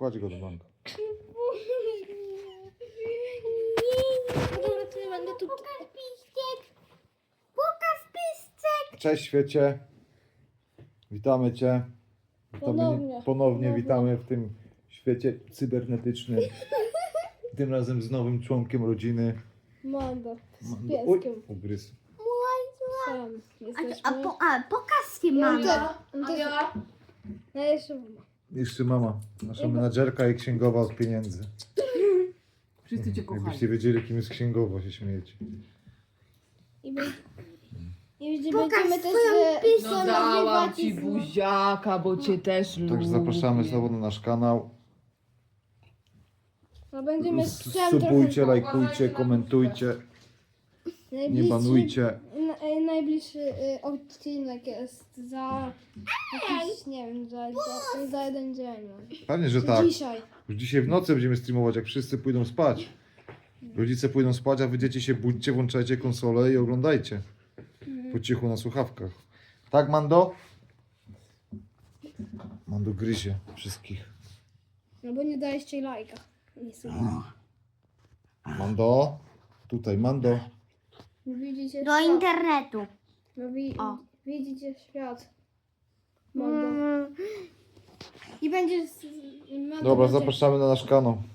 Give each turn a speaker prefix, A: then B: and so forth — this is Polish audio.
A: Kładź go do banku.
B: Dobra, to ja będę tu.
C: Pokaż pistek. Pokaż pistek.
A: Cześć świecie. Witamy Cię. Ponownie witamy w tym świecie cybernetycznym. Tym razem z nowym członkiem rodziny.
B: Mando. Z
A: Oj,
B: pieskiem.
A: ugryzł.
B: Sam jesteśmy.
C: Pokaż się
B: Ja
C: mamę.
B: Ja jeszcze mama.
A: Jeszcze mama, nasza menadżerka i księgowa od pieniędzy.
D: Wszyscy cię kochają.
A: Jakbyście wiedzieli, kim jest księgowa, się śmiejecie.
B: I
C: Pokaż
B: będziemy też
C: swoją piskę.
D: No dałam ci buziaka, bo cię też lubię.
A: Także zapraszamy znowu na nasz kanał.
B: No będziemy
A: Subujcie, lajkujcie, komentujcie, nie banujcie.
B: Najbliższy odcinek jest za jakiś, nie wiem, za jeden dzień.
A: Pewnie, że tak.
B: Dzisiaj.
A: Już dzisiaj w nocy będziemy streamować, jak wszyscy pójdą spać. Rodzice pójdą spać, a wy dzieci się budźcie, włączajcie konsolę i oglądajcie. Po cichu na słuchawkach. Tak, Mando? Mando gryzie wszystkich.
B: No bo nie daliście lajka. Nie słuchaj.
A: Mando? Tutaj, Mando.
B: Widzicie
C: Do
B: świat.
C: internetu.
B: No
C: O.
B: widzicie świat. Mando. I będzie...
A: Dobra, zapraszamy na nasz kanał.